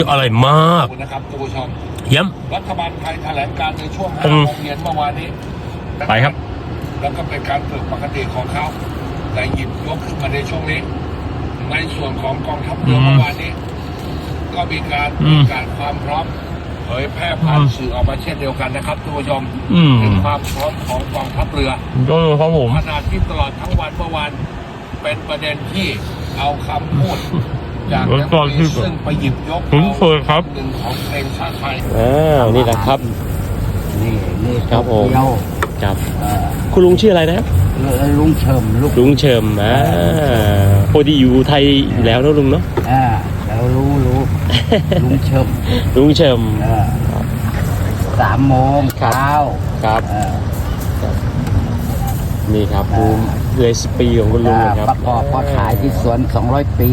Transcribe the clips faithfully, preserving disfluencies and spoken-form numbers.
อร่อยมากนะครับคุณผู้ชมเยี่ยมรัฐบาลไทยแถลงการในช่วงห้าโมงเย็นเมื่อวานนี้ไปครับแล้วก็เป็นการฝึกปกติของเขาแต่หยิบยกขึ้นมาในช่วงนี้ในส่วนของกองทัพเรือเมื่อวานนี้ ก็มีการประกาศความพร้อมเผยแพร่ผ่านสื่อออกมาเช่นเดียวกันนะครับทุกผู้ชมถึงความพร้อมของกองทัพเรือครับผมขณะที่ตลอดทั้งวันเมื่อวานเป็นประเด็นที่เอาคำพูดจากนักเรียนซึ่งไปหยิบยกเอาหนึ่งของเพลงชาติไทยอ่านี่แหละครับนี่นี่ครับผมครับคุณลุงชื่ออะไรนะลุงเฉิมลุงเฉิมอ่าพอดีอยู่ไทยอยู่แล้วนะลุงเนาะอ่าแล้วรู้รู้ลุงเฉิมลุงเฉิมสามโมงเช้าครับนี่ครับดูเรซิปีของคุณลุงนะครับประกอบพอขายที่สวนสองร้อยปี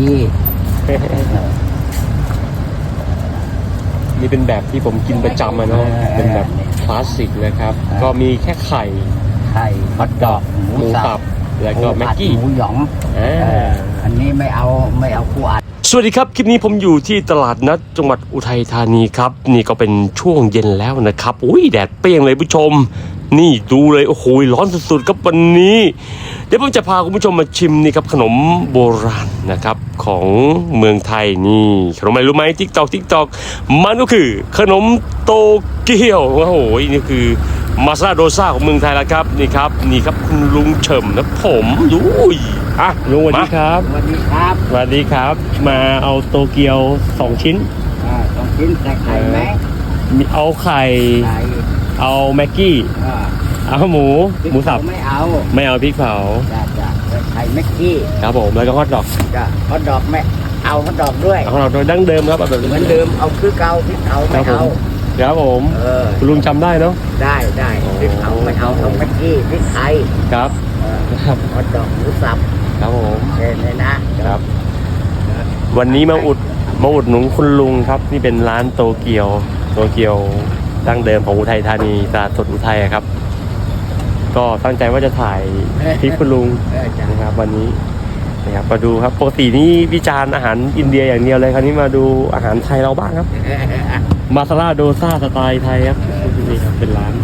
นี่เป็นแบบที่ผมกินประจำอะเนาะเป็นแบบคลาสสิกนะครับก็มีแค่ไข่ไข่ฮอทดอกหมูสับแล้วก็แม็กกี้หมูหยองอันนี้ไม่เอาไม่เอาคู่อัดสวัสดีครับคลิปนี้ผมอยู่ที่ตลาดนัดจังหวัดอุทัยธานีครับนี่ก็เป็นช่วงเย็นแล้วนะครับอุ้ยแดดเปรี้ยงเลยผู้ชมนี่ดูเลยโอ้โหร้อนสุดๆครับวันนี้เดี๋ยวผมจะพาคุณผู้ชมมาชิมนี่ครับขนมโบราณนะครับของเมืองไทยนี่ขนมอะไรรู้ไหมติ๊กตอกติ๊กตอกมันก็คือขนมโตเกียวโอ้โหนี่คือมาซาโดซ่าของเมืองไทยแล้วครับนี่ครับนี่ครับคุณลุงเฉิมนะผมดูอ่ะลุงสวัสดีครับสวัสดีครับสวัสดีครับมาเอาโตเกียวสองชิ้นอ่าสองชิ้นใส่ไข่ไหมมีเอาไข่เอาแม็กกี้เอาหมูหมูสับไม่เอาไม่เอาพริกเผาจ้าจ้าไข่แม็กกี้ครับผมแล้วก็ฮอทดอกจ้าฮอทดอกไม่เอาฮอทดอกด้วยฮอทดอกโดยดั้งเดิมครับแบบเหมือนเดิมเอาคือเก่าพริกเผาไม่เอาครับผมคุณลุงจำได้เนาะได้ได้พริกเผาไม่เอาเอาแม็กกี้พริกไทยครับครับฮอทดอกหมูสับครับผมเช่นเลยนะครับวันนี้มาอุดมาอุดหนุนคุณลุงครับนี่เป็นร้านโตเกียวโตเกียวดั้งเดิมของอุทัยธานีตลาดสดอุทัยครับก็ตั้งใจว่าจะถ่ายคลิปคุณลุงนะครับวันนี้นะครับมาดูครับปกตินี่วิจารณ์อาหารอินเดียอย่างเดียวเลยคราวนี้มาดูอาหารไทยเราบ้างครับมาซาลาโดซ่าสไตล์ไทยครับนี่ครับเป็นร้าน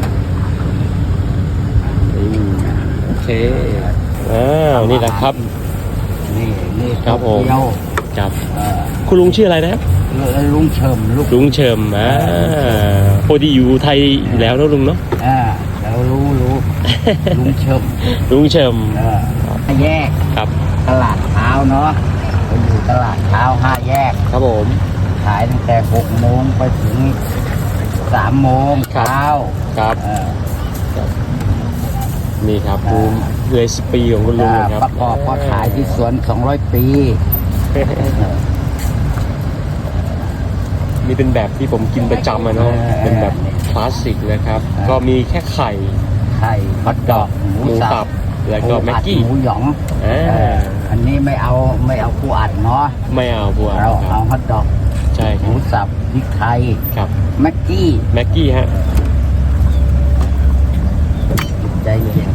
โอเคอ้าวนี่แหละครับนี่นี่ครับผมครับคุณลุงชื่ออะไรนะลุงเฉิมลุงเฉิมอ่าพอดีอยู่ไทยอยู่แล้วนะลุงเนาะอ่าแล้วรู้รู้ลุงเฉิมลุงเฉิมอ่าแยกครับตลาดเช้าเนาะเราอยู่ตลาดเช้าห้าแยกครับผมขายตั้งแต่หกโมงไปถึงสามโมงเช้าครับนี่ครับดูเรซิปีของคุณลุงครับประกอบพอขายที่สวนสองร้อยปีนี่เป็นแบบที่ผมกินประจำอะเนาะเป็นแบบคลาสสิกนะครับก็มีแค่ไข่ไข่ฮอทดอกหมูสับแล้วก็แม็กกี้หมูหยองอันนี้ไม่เอาไม่เอาคู่อัดเนาะไม่เอาคู่อัดเราเอาฮอทดอกใช่หมูสับพริกไทยครับแม็กกี้แม็กกี้ฮะใจเย็น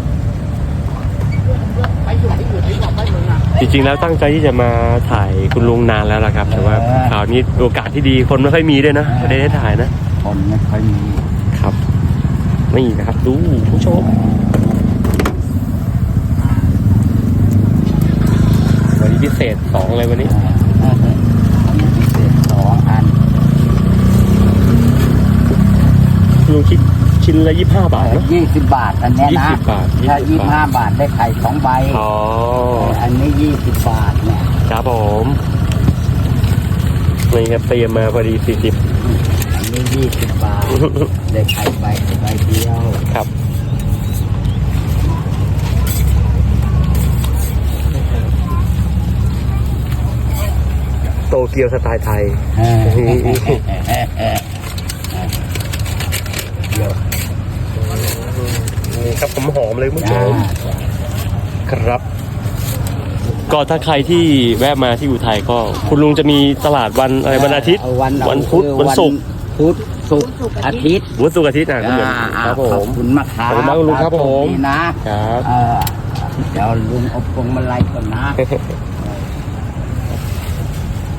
จริงๆแล้วตั้งใจที่จะมาถ่ายคุณลุงนานแล้วล่ะครับแต่ว่าคราวนี้โอกาสที่ดีคนไม่ค่อยมีด้วยนะไม่ได้ถ่ายนะคนไม่ค่อยมีครับนี่นะครับดูผู้ชมวันนี้พิเศษสองเลยวันนี้พิเศษสองอันลุงคิดชิ้นละยี่สิบห้าบาทนะยี่สิบบาทอันนี้นะยี่สิบบาทถ้ายี่สิบห้าบาทได้ไข่สองใบอ๋ออันนี้ยี่สิบบาทเนี่ยครับผมนี่ครับเตรียมมาพอดีสี่สิบอันนี้ยี่สิบบาทได้ไข่ใบใบเดียวครับโตเกียวสไตล์ไทยนี่ครับผมหอมเลยคุณผู้ชมครับก็ถ้าใครที่แวะมาที่อุทัยก็คุณลุงจะมีตลาดวันอะไรวันอาทิตย์วันพุธวันศุกร์พุธศุกร์อาทิตย์วันศุกร์อาทิตย์นะคุณลุงครับผมขอบคุณมากครับขอบคุณมากลุงครับผมนะครับเดี๋ยวลุงอบพวงมาลัยก่อนนะ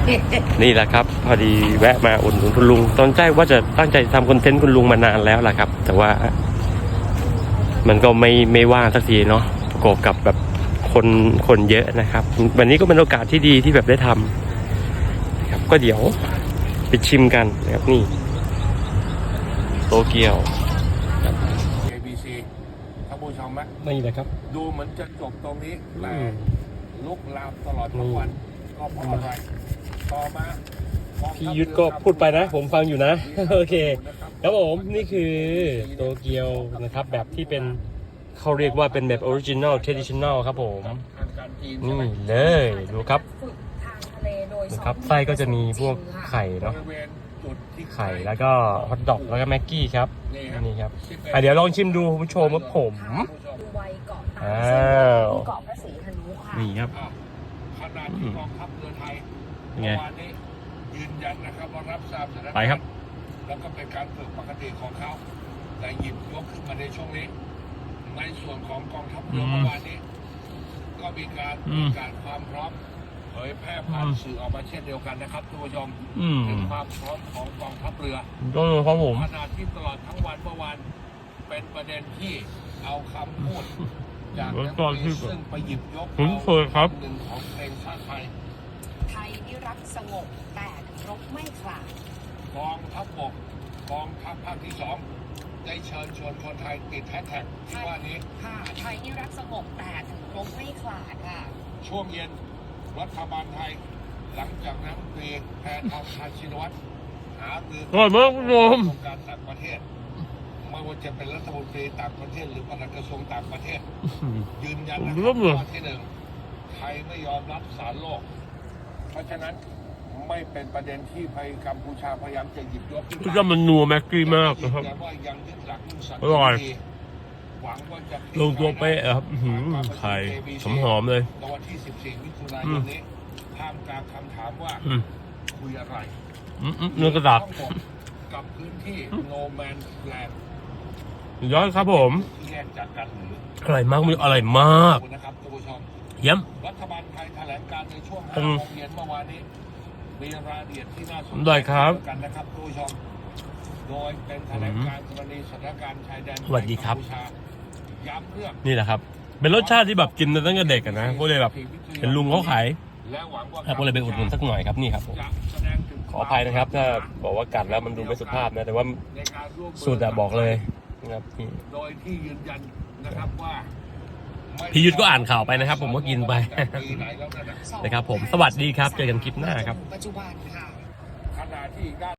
นี่แหละครับ พอดีแวะมาอุดหนุนคุณลุง ตอนแรกว่าจะตั้งใจทำคอนเทนต์คุณลุงมานานแล้วแหละครับ แต่ว่า มันก็ไม่ไม่ว่างสักทีเนาะประกอบกับแบบคนคนเยอะนะครับ วันนี้ก็เป็นโอกาสที่ดีที่แบบได้ทำนะครับก็เดี๋ยวไปชิมกันนะครับนี่โตเกียวเอ บี ซี ท่านผู้ชมไหมนี่แหละครับดูเหมือนจะจบตรงนี้แต่อืมลุกลามตลอดทั้งวันก็เพราะอะไรต่อมาพี่ยุทธก็พูดไปนะ ผมฟังอยู่นะ โอเคครับผมนี่คือโตเกียวนะครับแบบที่เป็นเขาเรียกว่าเป็นแบบออริจิน l ล traditional ครับผมทางการจีนนี่เลยดูครับฝึกทางทะเลโดยดูครับไส้ก็จะมีพวกไข่บเนาะริเวณจุดที่ไข่แล้วก็ฮอทดอกแล้วก็แม็กกี้ครับนี่ครับนี่ครับอ่ะเดี๋ยวลองชิมดูคุณผู้ชมครับผมดูไวเกาะตาอ้าซึ่งวเกาะพระศรีหนุค่ะนี่ครับอ้าวขนาดที่กองทัพเรือไทยเป็นไงเมื่อวานนี้ยืนยันนะครับว่ารับทราบสถานการณ์ไปครับแล้วก็เป็นการฝึกปกติของเขาแต่หยิบยกขึ้นมาในช่วงนี้ ในส่วนของกองทัพเรืออืมเมื่อวานนี้ ก็มีการอืปมระกาศความพร้อมเผยแพร่ผ่านอืมสื่อออกมาเช่นเดียวกันนะครับทุกผู้ชมอืมถึงความพร้อมของกองทัพเรือก็เลยครับผมขนาดที่ตลอดทั้งวันเมื่อวานเป็นประเด็นที่เอาคำพูดจากแล้วนักก็ที่เรียนซึ่งไปหยิบยกผมเคยครับหนึ่งของเพลงชาติไทยไทยนิรักสงบแต่รบไม่ขลาดกองทัพบกกองทัพภาคที่สองได้เชิญชวนคนไทยติดแฮชแท็กที่ว่านี้ค่ะไทยนิรักสงบแต่รบไม่ขลาดค่ะช่วงเย็นรัฐบาลไทย หลังจากนั้นตรีแพทองทานชินวัตรหารืออร่อยมากคุณผู้ชมกระทรวงการต่างประเทศไม่ว่าจะเป็นรัฐมนตรีต่างประเทศ หรือปลัดกระทรวงต่างประเทศ ยืนยันนะคผมเริ่รับมเลยว่าที่หนึ่งไทยไม่ยอมรับสารโลก เพราะฉะนั้นไม่เป็นประเด็นที่ไทยกัมพูชาพยายามจะหยิบยกขึ้นก็มาจะมันนัวแม็กกี้มากนะครับแต่ว่ายังยึดหลักยึดสันอร่อยติหวังว่าจะลงตัวเป๊ะครับอื้อหือไข่หอมๆเลยในวันที่สิบสี่มิถุนายนนี้ท่ามกลางคำถามว่าอืมคุยอะไรอืมอืมเนื้อกระดาษทั้งหมดกับพื้นที่ no man's land ย้อนครับผมที่แยกจากกันหรืออร่อยมากมีอร่อยมากขอบคุณนะครับท่านผู้ชมเยี่ยมรัฐบาลไทยแถลงการในช่วงอืห้าม โมงเย็นเมื่อวานนี้ มีรายละเอียดที่น่าสนใจได้ครับเช่นเดียวกันนะครับท่านผู้ชม โดยเป็นแถลงการกรณีสถานการณ์ชายแดนสวัสดีครับกัมพูชาย้ำเรื่องนี่แหละครับ เป็นรสชาติที่แบบกินมาตั้งแต่เด็กอะนะก็เลยแบบเห็นลุงเขาขายและหวังว่าครับก็เลยไปอุดหนุนสักหน่อยครับนี่ครับผมจะแสดงถึงขออภัยนะครับ ถ้าบอกว่ากัดแล้วมันดูไม่สุภาพนะ แต่ว่าในการร่วมมืสูตรอะบอกเลยนะครับนี่โดยที่ยืนยันนะครับว่าไม่พี่ยุทธก็อ่านข่าวไปนะครับผมก็กินไปปีไหนแล้วนั่นน่ะนะครับผมสวัสดีครับเจอกันคลิปหน้าครับปัจจุบันค่ะขณะที่อีกด้าน